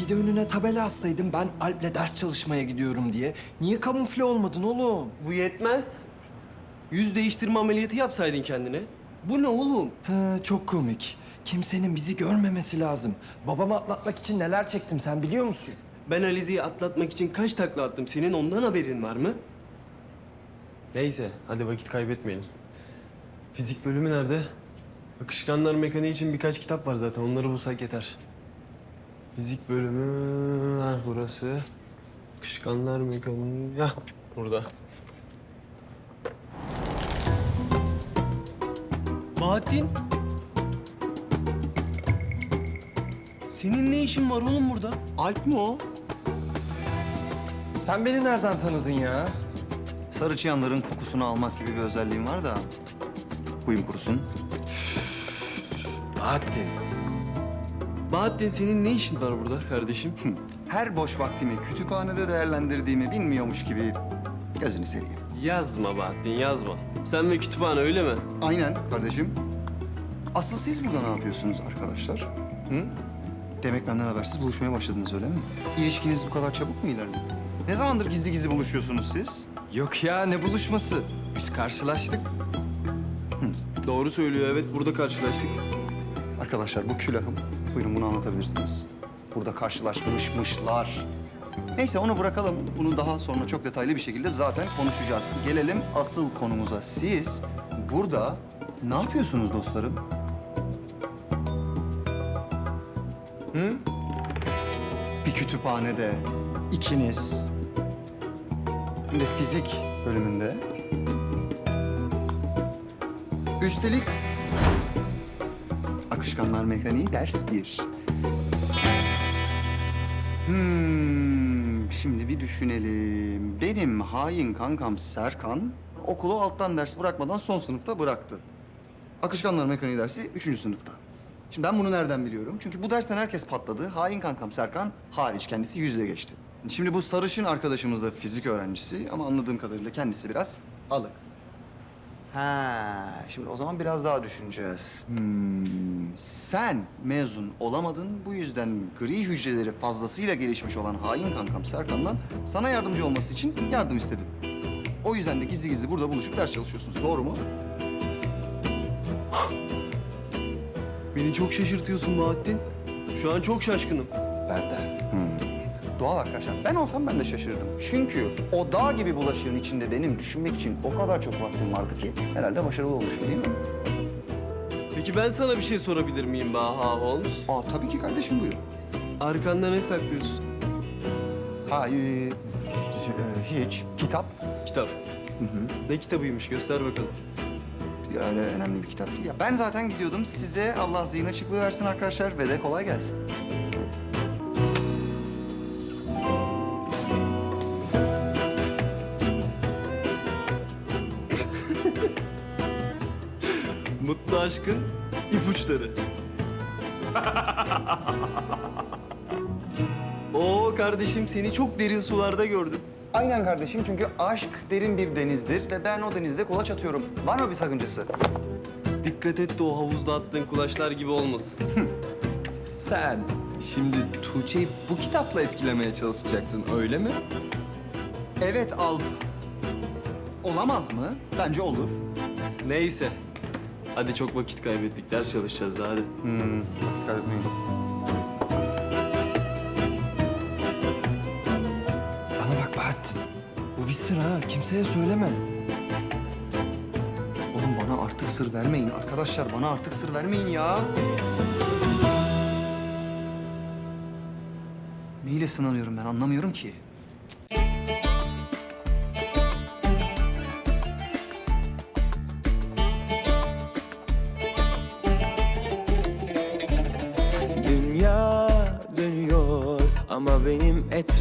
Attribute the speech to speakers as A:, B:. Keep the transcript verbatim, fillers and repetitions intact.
A: Bir de önüne tabela assaydın ben Alp'le ders çalışmaya gidiyorum diye. Niye kamufle olmadın oğlum?
B: Bu yetmez. Yüz değiştirme ameliyatı yapsaydın kendine. Bu ne oğlum?
A: He, çok komik. Kimsenin bizi görmemesi lazım. Babamı atlatmak için neler çektim sen biliyor musun?
B: Ben Alize'yi atlatmak için kaç takla attım. Senin ondan haberin var mı? Neyse, hadi vakit kaybetmeyelim. Fizik bölümü nerede? Akışkanlar mekaniği için birkaç kitap var zaten. Onları bulsak yeter. Fizik bölümü... Ha, burası. Akışkanlar mekaniği... Hah, burada. Bahattin. Senin ne işin var oğlum burada? Alp mi o?
A: Sen beni nereden tanıdın ya?
C: Sarı çıyanların kokusunu almak gibi bir özelliğim var da huyum kurusun.
A: Bahattin.
B: Bahattin senin ne işin var burada kardeşim?
C: Her boş vaktimi kütüphanede değerlendirdiğimi bilmiyormuş gibi gözünü seveyim.
B: Yazma Bahattin, yazma. Sen ve kütüphane öyle mi?
C: Aynen kardeşim. Asıl siz burada ne yapıyorsunuz arkadaşlar? Hı? Demek benden habersiz buluşmaya başladınız öyle mi? İlişkiniz bu kadar çabuk mu ilerliyor? Ne zamandır gizli gizli buluşuyorsunuz siz?
A: Yok ya ne buluşması? Biz karşılaştık.
B: Doğru söylüyor, evet. Burada karşılaştık.
C: Arkadaşlar bu külahım. Buyurun bunu anlatabilirsiniz. Burada karşılaşmışmışlar. Neyse onu bırakalım. Bunu daha sonra çok detaylı bir şekilde zaten konuşacağız. Gelelim asıl konumuza. Siz burada ne yapıyorsunuz dostlarım? Hı? Bir kütüphanede ikiniz. Hem de fizik bölümünde. Üstelik akışkanlar mekaniği ders bir. Hmm, şimdi bir düşünelim. Benim hain kankam Serkan okulu alttan ders bırakmadan son sınıfta bıraktı. Akışkanlar mekaniği dersi üçüncü sınıfta. Şimdi ben bunu nereden biliyorum? Çünkü bu dersten herkes patladı. Hain kankam Serkan hariç kendisi yüzle geçti. Şimdi bu sarışın arkadaşımız da fizik öğrencisi ama anladığım kadarıyla kendisi biraz alık. Ha, şimdi o zaman biraz daha düşüneceğiz. Hmm, sen mezun olamadın. Bu yüzden gri hücreleri fazlasıyla gelişmiş olan hain kankam Serkan'la sana yardımcı olması için yardım istedim. O yüzden de gizli gizli burada buluşup ders çalışıyorsunuz. Doğru mu?
B: Beni çok şaşırtıyorsun Bahattin. Şu an çok şaşkınım.
A: Ben de.
C: Doğal arkadaşlar. Ben olsam ben de şaşırırdım. Çünkü o dağ gibi bulaşığın içinde benim düşünmek için o kadar çok vaktim vardı ki herhalde başarılı olmuşum değil mi?
B: Peki ben sana bir şey sorabilir miyim Baha Holmes?
C: Aa tabii ki kardeşim buyur.
B: Arkanda ne saklıyorsun?
C: Ha, e, e, hiç. Kitap.
B: Kitap.
C: Hı hı.
B: Ne kitabıymış? Göster bakalım.
C: Öyle önemli bir kitap değil ya. Ben zaten gidiyordum. Size Allah zihin açıklığı versin arkadaşlar ve de kolay gelsin.
B: Mutlu aşkın ipuçları. Oo kardeşim seni çok derin sularda gördüm.
C: Aynen kardeşim çünkü aşk derin bir denizdir ve ben o denizde kulaç atıyorum. Var mı bir sakıncası?
B: Dikkat et de o havuzda attığın kulaçlar gibi olmasın.
A: Sen şimdi Tuğçe'yi bu kitapla etkilemeye çalışacaksın öyle mi?
C: Evet Alp. Olamaz mı? Bence olur.
B: Neyse. Hadi çok vakit kaybettik. Ders çalışacağız daha hadi.
C: Hmm, dikkat etmeyin.
A: Bana bak Bahattin. Bu bir sır ha. Kimseye söyleme.
C: Oğlum bana artık sır vermeyin arkadaşlar. Bana artık sır vermeyin ya. Neyle sınanıyorum ben anlamıyorum ki.
D: Dünya dönüyor ama benim etrafım